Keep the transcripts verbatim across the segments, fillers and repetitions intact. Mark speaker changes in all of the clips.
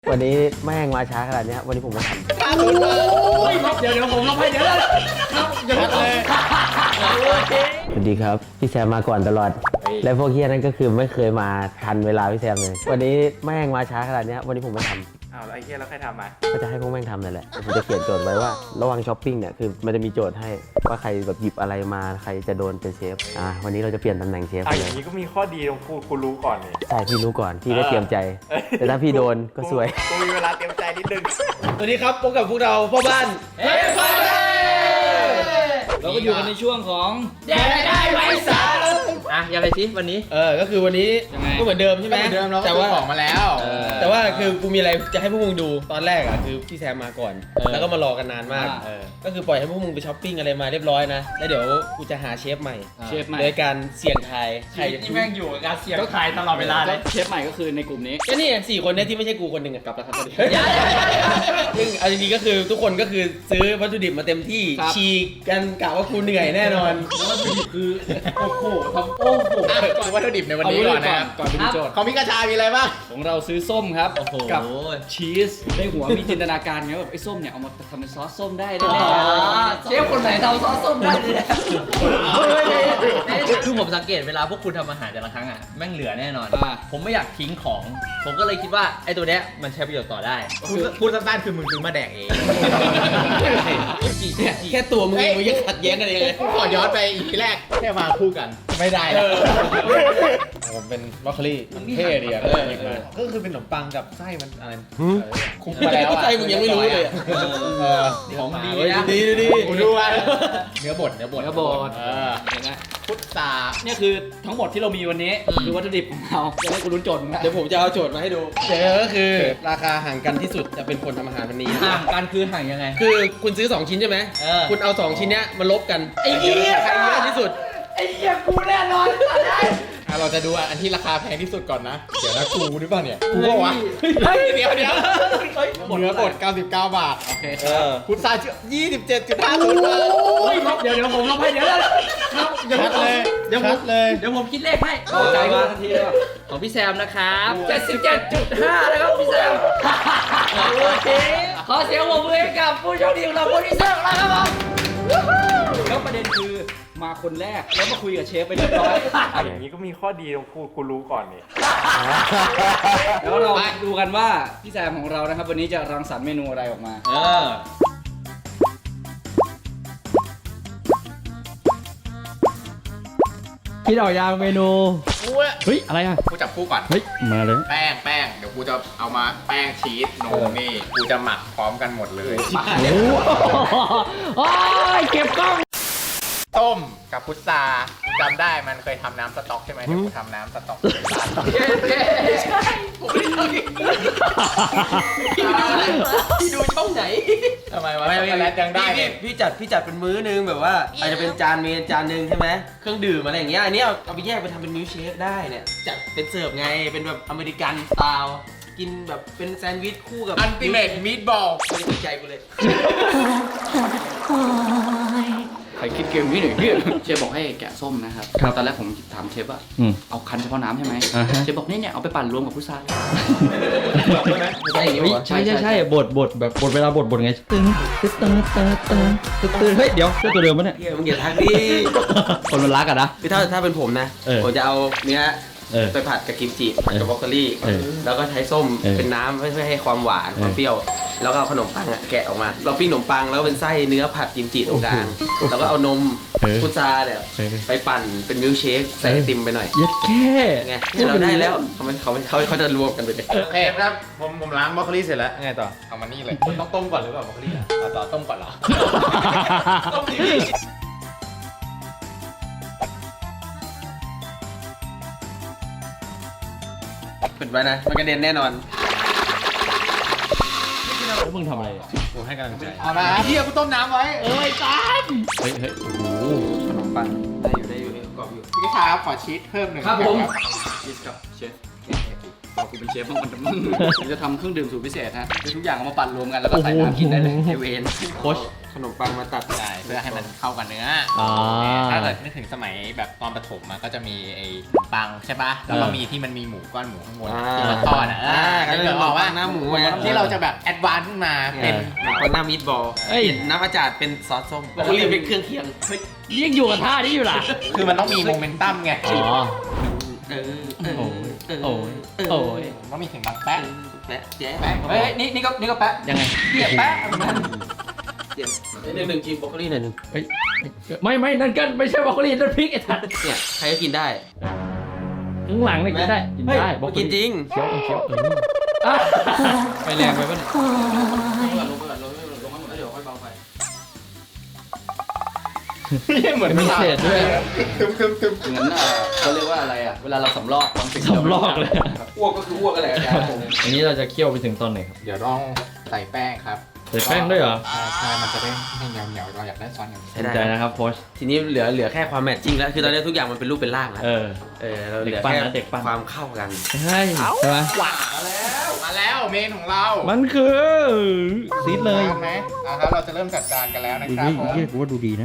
Speaker 1: วันนี้แม่งมาช้าขนาดนี้วันนี้ผมไม่ทำ
Speaker 2: เดี๋ยวเดี๋ยวผมลงไปเดี๋ยวครับอย่าเลย
Speaker 1: สวัสดีครับพี่แซมมาก่อนตลอดและพวกเฮียนั่นก็คือไม่เคยมาทันเวลาพี่แซมเลยวันนี้แม่งมาช้าขนาดนี้วันนี้ผมไม่ทำ
Speaker 2: อ้าวแล้วไอ้เฮียแล้วใครทำมา
Speaker 1: ก็จะให้พวกแม่งทำนั่นแหละผมจะเขียนโจทย์ไว้ว่าระหว่างช้อปปิ้งเนี่ยคือมันจะมีโจทย์ให้ว่าใครแบบหยิบอะไรมาใครจะโดนเป็นเชฟอ่ะวันนี้เราจะเปลี่ยนตำแหน่งเชฟ
Speaker 2: อ่ะ
Speaker 1: เล
Speaker 2: อย ย่างนี้ก็มีข้อดีตรงกูกูรู้ก่อนนี่
Speaker 1: ใช่พี่รู้ก่อนพี่ได้เตรียมใจแต่ถ้าพี่โดนก็ซวย
Speaker 2: กูมีเวลาเตรียมใจนิดนึง
Speaker 3: สวัสดีครับพบกับพวกเราพ่อบ้าน
Speaker 4: เฮ้ยพ่อบ้านเราก็อยู่กันในช่วงของแดกได้ไว้สาอ่ะยังไงสิวันนี้
Speaker 3: เออก็คือวันนี้ก็เหมือนเดิมใช่ไหม
Speaker 2: เหมือนเดิมเรา
Speaker 3: แต่ว่า
Speaker 2: ของมาแล้ว
Speaker 3: แต่ว่าคือกูมีอะไรจะให้พวกมึงดูตอนแรกอ่ะคือพี่แซมมาก่อนแล้วก็มารอกันนานมากก็คือปล่อยให้พวกมึงไปช้อปปิ้งอะไรมาเรียบร้อยนะแล้วเดี๋ยวกูจะหาเชฟใหม่
Speaker 4: เชฟใหม่
Speaker 3: โดยการเสี่ยงทาย
Speaker 4: ใครที่แม่งอยู่กับการเสี่ยงทายตลอดเวลาเลยเชฟใหม่ก็คือในกลุ่มนี้
Speaker 3: ก็นี่สี่คนเนี่ยที่ไม่ใช่กูคนหนึ่งกลับแล้วครับตอนนี้ซึ่งเอาจริงๆก็คือทุกคนก็คือซื้อวัตถุดิบมาเต็มที่ฉีกกันกะว่ากูเหนื่อยแน่นอน
Speaker 4: แล้ววัตถุดิบคือโอ้โหทำโอ้โห
Speaker 2: ก่อนวัตถุดิบในวันนี้ก่อนนะ
Speaker 4: ก่อนไปดูโจทย์
Speaker 2: เขามีกระชายมีอะไรบ้าง
Speaker 4: ของเราซื้อส้มครับกับชีสในหัวมีจินตนาการไงแบบไอ้ส้มเนี่ยเอามาทำเป็นซอสส้มได้แน่ๆเชฟคนไหนทำซอสส้มได้เลย
Speaker 5: คือผมสังเกตเวลาพวกคุณทำอาหารแต่ละครั้งอ่ะแม่งเหลือแน่นอนผมไม่อยากทิ้งของผมก็เลยคิดว่าไอ้ตัวเนี้ยมันใช้ประโยชน์ต่อได้
Speaker 2: พูดสั้นๆคือมึงซื้อมาแดกเอง
Speaker 3: แค่ตัวมึงมึงยังขัดแย้งกันยังไง
Speaker 2: ขอย้อนไปอีพีแรกแค่มาคู่กันไม่ได้แล้วผมเป็นบรอกโคลีมันเท่ดีอ่ะก็คือเป็นขนมปังกับไส้มันอะไรคุกมาแล้วอ่ะ
Speaker 3: ไส้มึงยังไม่รู้เลย
Speaker 4: ของดี
Speaker 3: นะดีดี
Speaker 2: กูดูว่าเนื้อบดเนื้อบด
Speaker 4: เนื้อบด
Speaker 2: พุทธา
Speaker 4: เนี่ยคือทั้งหมดที่เรามีวันนี้คือวัตถุดิบของเราจะให้คุณลุ้นโจทย์
Speaker 3: เดี๋ยวผมจะเอาโจทย์มาให้ดูเดี๋ยวก็คือราคาห่างกันที่สุดจะเป็นคนทำอาหารวันนี้
Speaker 5: ห่างกันคือห่างยังไง
Speaker 3: คือคุณซื้อสองชิ้นใช่ไหมคุณเอาสองชิ้นเนี้ยมาลบกัน
Speaker 4: ไอ้เหี้ย
Speaker 3: ใครเยอะที่สุด
Speaker 4: ไอ้เหี้ยกูแน่นอน
Speaker 2: เราจะดูอันที่ราคาแพงที่สุดก่อนนะเดี๋ยวนะกูหรือเปล่าเนี่ยกูบอกว่าเดี๋ยวเดี๋ยวเนื้อบดเก้าสิบเก้าบาท
Speaker 4: โอเค
Speaker 2: พุทธายี่สิบเจ็ดจุดห้าศูนย์บาท
Speaker 4: เดี๋ยวเดี๋ยวผมลงไปเดี๋ยว
Speaker 2: ชัดเลยเดี๋ยวผมเลย
Speaker 4: เดี๋ยวผมคิดเลขให้เข้าใจมาทันทีเลยของพี่แซมนะครับเจ็ดสิบเจ็ดจุดห้านะครับพี่แซมโอเคขอเสียงปรบมือให้กับผู้โชคดีของเราคนที่สองแล้วครับผมแล้วประเด็นคือมาคนแรกแล้วมาคุยกับเชฟไปเรียบร้อยอย่างนี้ก็มีข้อดีตรงกูกูรู้ก่อนนี่แล้วเราดูกันว่าพี่แซมของเรานะครับวันนี้จะรังสรรค์เมนูอะไรออกมาเออ
Speaker 5: คิดออกยางเมนูเฮ้ยอะไรอ่ะ
Speaker 2: กูจับคู่ก่อน
Speaker 5: เฮ้ยมาเลย
Speaker 2: แป้งแป้งเดี๋ยวกูจะเอามาแป้งชีสนมนี่กูจะหมักพร้อมกันหมดเลย
Speaker 5: โอ้ยเก็บกล้อง
Speaker 2: ต้มกับพุทราจำได้มันเคยทำน้ำสต๊อกใช่ไหมเดี๋ยวกูทำน้ำสต๊อก
Speaker 4: ใช่พี่ดูช่องไหน
Speaker 2: ทำไมวะไม่ไม่แล้วยังได้
Speaker 3: พี่พี่จัดพี่จัดเป็นมื้อนึงแบบว่าอาจจะเป็นจานเมนจานนึงใช่ไหมเครื่องดื่มอะไรอย่างเงี้ยอันนี้เอาเอาไปแยกไปทำเป็นมิลค์เชคได้เนี่ยจัดเป็นเสิร์ฟไงเป็นแบบอเมริกันสไตล์กินแบบเป็นแซนด์วิชคู่กับ
Speaker 2: อัลติเมทมีทบอล
Speaker 3: ไม่ได้สนใจกูเลย
Speaker 4: ใครคิดเกมนี้หน่อยพี่เชฟบอกให้แกะส้มนะครับตอนแรกผมถามเชฟว่าเอาคั้นเฉพาะน้ำใช่ไหมเชฟบอกนี่เนี่ยเอาไปปั่นรวมกับพุทรา
Speaker 3: ใช่
Speaker 5: ใช่ใช่ใช่บดบดแบบบดเวลาบดบดไงตึ้งตึ้งตึ้งตึ้งตึ้งตึ้งเฮ้ยเดี๋ยวเจ้าตัวเดิมปะเนี่ย
Speaker 3: มึงอย่าทักดิ
Speaker 5: คนมันรักอะนะ
Speaker 3: คือถ้าถ้าเป็นผมนะผมจะเอาเนี้ยไปผัดกับกิมจิผัดกับบรอกโคลีแล้วก็ใช้ส้มเป็นน้ำเพื่อให้ความหวานความเปรี้ยวแล้วก็เอาขนมปังแกะออกมาเราปิ้งขนมปังแล้วเป็นไส้เนื้อผัดกิมจิตรงกลางแล้วก็เอานมพุทราเนี่ยไปปั่นเป็นมิลค์เชคใส่ไอติมไปหน่อย
Speaker 5: ยัดแค่
Speaker 3: ไงเราได้แล้วเขาเขาเขาเขาจะรวมกันไปเลย
Speaker 2: โอเคครับผมผมล้างบรอกโคลีเสร็จแล้วไงต่อเอามานี่เลยต้องต้มก่อนหรือเปล่าบรอกโคลีอ่ะต่อต้มก่อนเหรอต้มดี
Speaker 3: ปิดไว้นะมันกระเด็นแน่นอน
Speaker 5: แล้วมึงทำอะไร
Speaker 2: กูให้กำลังใจเอามาพี่เอากูต้มน้ำไว้
Speaker 4: เอ้ยตาม
Speaker 5: เฮ้ยเฮ้ยโอ้โห
Speaker 3: ขนมปังได้อยู่ได้อยู่นี่กรอบอยู่
Speaker 2: พี่ชายขอชีสเพิ่มหนึ่ง
Speaker 3: ครับผม
Speaker 2: ชีสกับเชฟโอเค
Speaker 4: กูเป็นเชฟบ้างมันผมจะทำเครื่องดื่มสูตรพิเศษฮะคือทุกอย่างเอามาปั่นรวมกันแล้วก็ใส่น้ำกินได้เลยเอเวน
Speaker 5: โค้ช
Speaker 3: ขนมปังมาตัด
Speaker 2: ได้เพื่อให้มันเข้ากับเนื้อ
Speaker 5: อ่า
Speaker 2: ถ้าเกิดนึกถึงสมัยแบบตอนประถมมันก็จะมีไอ้ขนมปังใช่ปะแล้วก็มีที่มันมีหมูก้อนหมูข้างบนที่มันทอดอ่ะ
Speaker 3: อ่า
Speaker 2: ก็
Speaker 3: ก็
Speaker 2: เล
Speaker 3: คื
Speaker 2: ย
Speaker 3: อ
Speaker 2: บบ อ
Speaker 3: อก ก
Speaker 2: ว่า
Speaker 3: ว่าหน้าหมูไง
Speaker 2: ที่เราจะแบบแอดวานซ์ขึ้นมาเป็
Speaker 3: เป็น นคนหน้ามีดบอล
Speaker 5: เอ้ย
Speaker 3: น้ำอาจารย์เป็นซอสส้มบอกว่ารีบเป็นเครื่องเคียง
Speaker 5: ยังอยู่กับท่านี้อยู่ล่ะ
Speaker 2: คือมันต้องมีโมเมนตัมไง
Speaker 5: อ๋อ
Speaker 3: เออเออ
Speaker 5: โอ้ย
Speaker 3: เออ
Speaker 5: โอ้ย
Speaker 3: เออ
Speaker 5: โอ้ย
Speaker 2: ต้องมีเสียงดังแป๊ะ
Speaker 3: แปะแจ๊ะ
Speaker 2: แป๊ะ
Speaker 4: เฮ้ยนี่นี่ก็นี่ก็แปะ
Speaker 5: ยังไง
Speaker 4: เหี้ยแปะ
Speaker 3: เดี๋ยวหนึ่งหนึ่งกินบรอกโคลีหน่อยหนึง
Speaker 5: เฮ้ยไม่ไม่นั่นก็ไม่ใช่บรอกโคลีนั่นพริกไอ้ทัด
Speaker 3: เนี่ยใครก็กินได้
Speaker 5: ข้างหลังเนี่ยกินได้กินได้
Speaker 3: บอกกินจริง
Speaker 5: เคี้ยวเคี้ยวเอออ่ะ
Speaker 4: ไปแรงไปป่ะเนี่ย
Speaker 3: ลงไปก่อนลงไปก่อนลงไปก่อนแล้วเดี๋ยวค่อยเบาไฟ
Speaker 2: เหมือน
Speaker 5: มีเศษด้วย
Speaker 2: คึมคึมคึม
Speaker 4: งั้นอ่ะเขาเรียกว่าอะไรอ่ะเวลาเราสำลอกบางสิ่ง
Speaker 5: สำลอกเลย
Speaker 3: อ้วกก็คืออ้วกอะไรอาจารย์ผม
Speaker 5: อันนี้เราจะเคี่ยวไปถึงตอนไหนครับ
Speaker 2: เดี๋ยวต้องใส่แป้งครับ
Speaker 5: ใส่แป้งด้วยเหรอ
Speaker 2: ใช่ใช่มันจะได้ให้เหนียวเหนียวๆเราอยากได้ซอสเหนียว
Speaker 5: สนใจนะครับโค้ช
Speaker 3: ทีนี้เหลือเหลือแค่ความแมทชิ่งแล้วคือตอนนี้ทุกอย่างมันเป็นรูปเป็นร่างแล้ว
Speaker 5: เออ
Speaker 3: เออเราเหลือ
Speaker 5: เด็กปั้น
Speaker 3: แค่
Speaker 5: นะเด็กปั้น
Speaker 3: ความเข้ากัน
Speaker 5: ใช่ใช่ไหม
Speaker 2: มาแล้วเมนของเรา
Speaker 5: มันคือซีดเลย
Speaker 2: พร้อมไหมอ่ะครับเราจะเริ่มจัดจานกันแล้วนะครับผม
Speaker 5: เรียกว่าดูดีนะ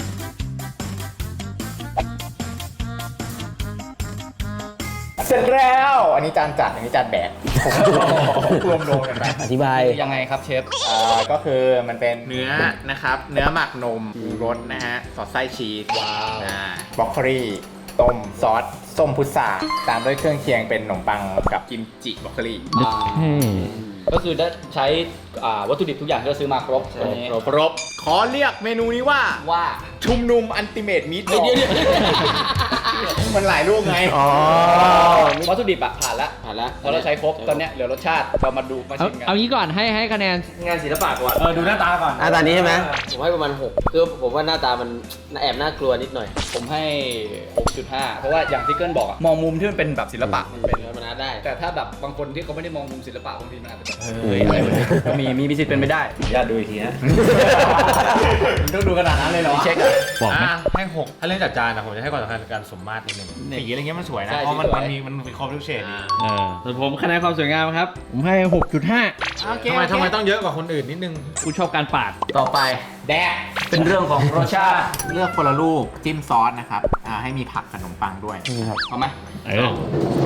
Speaker 2: เสร็จแล้ว อันนี้จานจัดอันนี้จานแบกรวมโดนกันไป
Speaker 1: อธิบาย
Speaker 4: ยังไงครับเชฟ
Speaker 2: อ่าก็คือมันเป็นเนื้อนะครับ เนื้อหมักนมมีรสนะฮะสอดไส้ชีสว้าวบรอกโคลีต้มซอสส้มพุทราตามด้วยเครื่องเคียงเป็นขนมปังกับกิมจิบรอกโคลี
Speaker 4: ก็คือได้ใช้อ่าวัตถุดิบทุกอย่างที่เราซื้อมาครบตัวนี้
Speaker 2: ครบขอเรียกเมนูนี้ว่า
Speaker 4: ว่า
Speaker 2: ชุมนุมอันติเมตมีทบอล
Speaker 3: เดี๋ยวเดี๋ยว
Speaker 2: มันหลายรูปไง
Speaker 4: วัตถุดิบอะผ่านละ
Speaker 3: ผ่านละ
Speaker 4: พอเราใช้ครบตอนเนี้ยเหลือรสชาติเรามาดูมา
Speaker 5: เอา
Speaker 4: ชิมกัน
Speaker 5: เอางี้ก่อนให้ให้คะแนน
Speaker 3: งานศิลปะก่อน
Speaker 2: เออดูหน้าตาก่อน
Speaker 3: หน้าตานี้ใช่ไหมผมให้ประมาณหกคือผมว่าหน้าตามันแอบน่ากลัวนิดหน่อย
Speaker 4: ผมให้ หกจุดห้า เพราะว่าอย่างที่เกิลบอกอะมองมุมที่มันเป็นแบบศิลปะ
Speaker 3: มันเป็นธรรมดาได้
Speaker 4: แต่ถ้าแบบบางคนที่เขาไม่ได้มองมุมศิลปะบางทีมันอาจจะแบบ
Speaker 5: เฮ้ยอะไรวะเนี่ย
Speaker 4: ก็มีมีมีสิทธิ์เป็นไปได้
Speaker 2: ญาติดูอีกทีนะต้องดูขนาดนั้นเลยเหรอ
Speaker 4: เช็คอะ
Speaker 5: บอกไหม
Speaker 2: อ่ะให้หกถ้าเรื่องจัดจานนะผมจะให้ความสำคัญกับการสมมาตรนิดนึงสีอะไรเงี้ยมันสวยนะ
Speaker 4: ใช่
Speaker 2: เพราะมัน
Speaker 4: สีสวย
Speaker 2: มันมีมันมีครบทุกเฉดดี
Speaker 5: เออส่วนผมคะแนนความสวยงามครับ ผมให้ หกจุดห้า
Speaker 2: ทำไมทำไมต้องเยอะกว่าคนอื่นนิดนึง
Speaker 5: กูชอบการปาด
Speaker 2: ต่อไปแดก
Speaker 4: เป็นเรื่องของรสชาติ
Speaker 2: เลือกคนละลูกจิ้มซอสนะครับอ่าให้มีผักขนมปังด้วย
Speaker 4: เอาไหม
Speaker 5: เออ
Speaker 4: ไป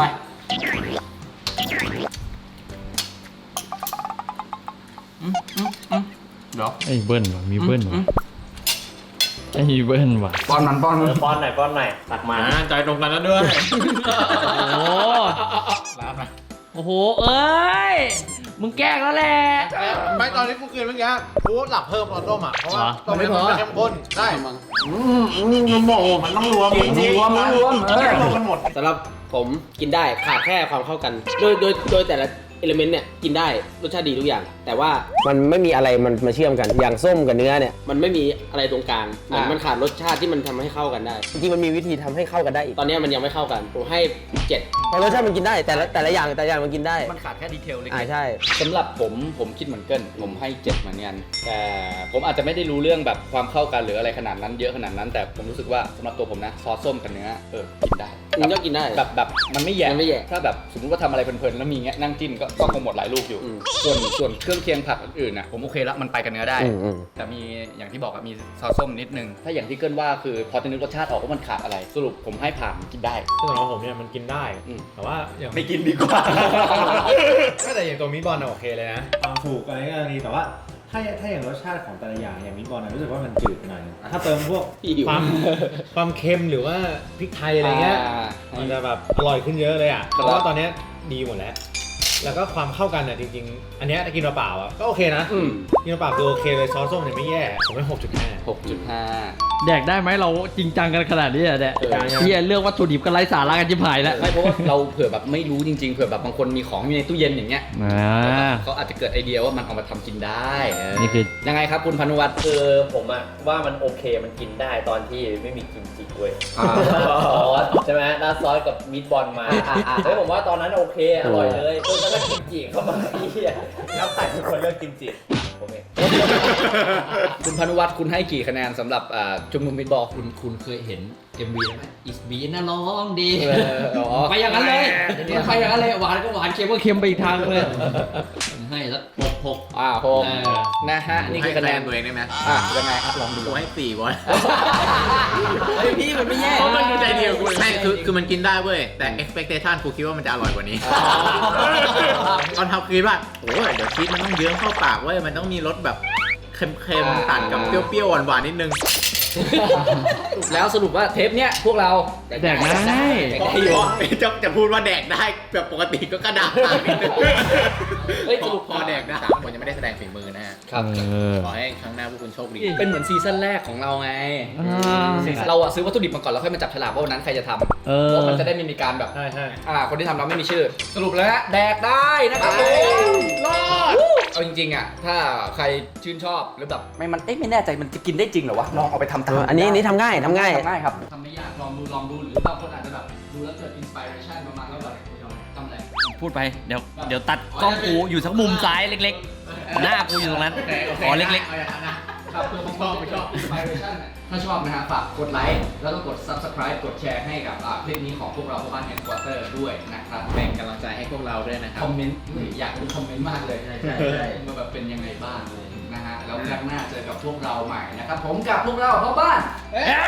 Speaker 2: เดี๋ยว
Speaker 5: ไอ้เบิ้ลว่ะมีเบิ้ลว่ะไอ้เบิ้ลว่ะ
Speaker 4: ป้อนมันป้อนมัน
Speaker 1: ป้อนหน่อยป้อนหน่อยตักมา
Speaker 2: อ่าใจตรงกันแล้วด้วย
Speaker 5: โอ้
Speaker 2: รับนะ
Speaker 5: โอ้โหเอ้ยมึงแกล้งแล้วแหละ
Speaker 2: ไม่ตอนนี้กูคืนเมื่อกี้กูหลับเพิ่มตอนต้มอ่ะเพราะว่า
Speaker 5: เหรอ
Speaker 2: ต้มมันไม่เข้มข้นได้มันหมดมันต้องรวมจริงๆ
Speaker 4: รวมรวมเออ
Speaker 2: รวมกันหมด
Speaker 3: สำหรับผมกินได้ขาดแค่ความเข้ากัน โดยโดยโดยแต่ละเอลิเมนต์เนี่ยกินได้รสชาติดีทุกอย่าง แต่ว่ามันไม่มีอะไรมันมาเชื่อมกันอย่างส้มกับเนื้อเนี่ยมันไม่มีอะไรตรงกลางเหมือนมันขาดรสชาติที่มันทำให้เข้ากันได้จริงๆมันมีวิธีทำให้เข้ากันได้อีกตอนนี้มันยังไม่เข้ากันผมให้เจ็ดเพราะรสชาติมันกินได้แต่ละแต่ละอย่างแต่ละอย่างมันกินได้
Speaker 4: มันขาดแค่ดีเทลเล็ก
Speaker 3: อ่าใช่
Speaker 4: สำหรับผมผมคิดเหมือนเกินผมให้เจ็ดเหมือนกันแต่ผมอาจจะไม่ได้รู้เรื่องแบบความเข้ากันหรืออะไรขนาดนั้นเยอะขนาดนั้น แต่ผมรู้สึกว่าสำหรับตัวผมนะซอสส้มกับเนื้อเออกินได้
Speaker 3: มันก็กินได้
Speaker 4: แบบแบบมันไม่แย่
Speaker 3: มันไม่แย่
Speaker 4: ถ้าแบบสมมติว่าทำอะไรเพลินๆแล้วมีเงี้ยนั่งจิ้มก็ก็คงหมดหลายลูกอยู่
Speaker 3: อืม
Speaker 4: ส่วนส่วนเครื่องเคียงผักอื่นๆนะผมโอเคละมันไปกับเนื้อได้
Speaker 3: อืมอืม
Speaker 4: แต่มีอย่างที่บอกอะมีซอสส้มนิดนึง ถ้าอย่างที่เกินว่าคือพอจะนึกรสชาติออกว่ามันขาดอะไร สรุปผมให้ผ่านกินได้
Speaker 2: ซึ่งสำหรับผมเนี่ยมันกินได้
Speaker 4: อืม
Speaker 2: แต่ว่าอย่าง
Speaker 4: ไม่กินดีกว่า
Speaker 2: ก็แต่อย่างตัวมิตบอลน่ะโอเคเลยนะทำถูกอะไรก็ดีแต่ว่าถ้าถ้าอย่างรสชาติของแต่ละอย่างอย่างมิตบอลน่ะรู้สึกว่ามันจืดไปหน่อยนึงถ้าเติมพวก
Speaker 3: หิว
Speaker 2: ความความเค็มหรือว่าพริกไทยอะไรเงี้ย
Speaker 4: อ่า
Speaker 2: มันจะแบบอร่อยขึ้นเยอะเลยอ่ะ
Speaker 4: ครับ
Speaker 2: เพราะว่าตอนเนี้ยดีหมดแล้ว แล้วก็ความเข้ากันอ่ะจริงๆ อันเนี้ยถ้ากินเปล่าๆอ่ะก็โอเคนะ
Speaker 4: อืม
Speaker 2: กินเปล่าๆคือโอเคเลยซอสส้มเนี่ยไม่แย่ผมให้หกจุดห้า
Speaker 4: หกจุดห้า
Speaker 5: แดกได้ไหมเราจริงจังกันขนาดนี้อะแดก
Speaker 4: เออ
Speaker 5: เฮียเรื่องวัตถุดิบกันไร้สาระกันจิบหายแล้ว
Speaker 4: ไม่เพราะว่าเราเผื่อแบบไม่รู้จริงๆเผื่อแบบบางคนมีของอยู่ในตู้เย็นอย่างเงี้ย
Speaker 5: อ่า
Speaker 4: เขาอาจจะเกิดไอเดียว่ามันเอามาทำกินได้เออ
Speaker 5: นี่คือ
Speaker 4: ยังไงครับคุณพานุวัฒน์
Speaker 1: คือผมอะว่ามันโอเคมันกินได้ตอนที่ไม่มีกิมจิเว้ย
Speaker 4: อ่า
Speaker 1: ซอสใช่ไหมราดซอสกับมิตบอลมาเฮ้ยผมว่าตอนนั้นโอเคอร่อยเลยจนกระทั่งกิมจิเข้ามาไอ้เหี้ยแล้วใส่เป็นคนเลือกกิมจิผมเอง
Speaker 4: คุณพานุวัฒน์คุณให้กี่คะแนนสำหรับอ่าชุมนุมมิตบอล
Speaker 5: คุณคุณเคยเห็น
Speaker 4: เอ็มวีได้ไหมอิสบีน่าร้องดี
Speaker 1: เอออ๋อ
Speaker 4: ไปอย่างนั้นเลยไปอย่างนั้นเลยหวานก็หวานเค็มก็เค็มไปอีกทางเลยให้สักหกหก
Speaker 1: อ่าโฮม
Speaker 4: เออ
Speaker 1: นะฮะนี่คือคะแนน
Speaker 2: ตัวเองได้ไหม
Speaker 1: อ่ะยังไงอ่ะลองดู
Speaker 2: กูให้สี่บอล
Speaker 4: เฮ้ยพี่มันไม่แย่
Speaker 2: เพราะมันดูใจเดียวกูไม่คือคือมันกินได้เว้ยแต่ expectation กูคิดว่ามันจะอร่อยกว่านี้ตอนทำคิดว่าโอ้ยเดี๋ยวชีสมันต้องเยิ้มเข้าปากเว้ยมันต้องมีรสแบบเค็มๆตัดกับเปรี้ยวๆหวานๆนิดนึง
Speaker 4: แล้วสรุปว่าเทปเนี้ยพวกเรา
Speaker 5: แดกได้
Speaker 4: แดกได้อยู่
Speaker 2: จะจะพูดว่าแดกได้แบบปกติก็กระดาษนิดนึง
Speaker 4: เฮ้ยสรุป
Speaker 2: พอแดกได้ผมยังไม่ได้แสดงฝีมือนะฮะ
Speaker 4: ครับ
Speaker 2: ขอให้ครั้งหน้าพวกคุณโชคดี
Speaker 4: เป็นเหมือนซีซั่นแรกของเราไง เราอะซื้อวัตถุดิบมาก่อนแล้วค่อยมาจับฉลากว่าวันนั้นใครจะทำ
Speaker 5: เออ
Speaker 4: เพราะมันจะได้ไม่มีการแบบ
Speaker 5: ใช่ใช่
Speaker 4: อ่าคนที่ทำเราไม่มีชื่อ สรุปแล้วฮะแดกได้นะครับรอดเอาจริงๆอ่ะถ้าใครชื่นชอบหรือแบบไม่มันเอ๊ะไม่แน่ใจมันจะกินได้จริงเหรอวะลองเอาไปทำตาม
Speaker 3: อันนี้อันนี้ทำง่ายทำง่าย
Speaker 4: ทำง่ายครับทำไม่ยากลองดูลองดูหรือบางคนอาจจะแบบดูแล้วเกิดอินสปิเรชันประมาณว่าแบบทำอะไร
Speaker 5: พูดไปเดี๋ยวเดี๋ยวตัดกล้องกูอยู่สักมุมซ้ายเล็กๆ หน้ากูอยู่ตรงนั้นขอเล็ก
Speaker 4: ครับเพื่อบางคนไปชอบอินสปิเรชันถ้าชอบนะฮะฝากกดไลค์แล้วก็กด subscribe กดแชร์ให้กับอ่าคลิปนี้ของพวกเราพวกบ้านแฮนด์ควอเตอร์ด้วยนะครับ
Speaker 2: แบ่งกำลังใจให้พวกเราด้วยนะครั
Speaker 4: ค
Speaker 2: บ
Speaker 4: อมเมนต์อยากดูคอมเมนต์มากเลยใช่ใช่ใช่มาแบบเป็นยังไงบ้างเลยนะฮะแล้วครั้งหน้าเจอกับพวกเราใหม่นะครับผมกับพวกเราพ่อบ้าน
Speaker 2: เฮ้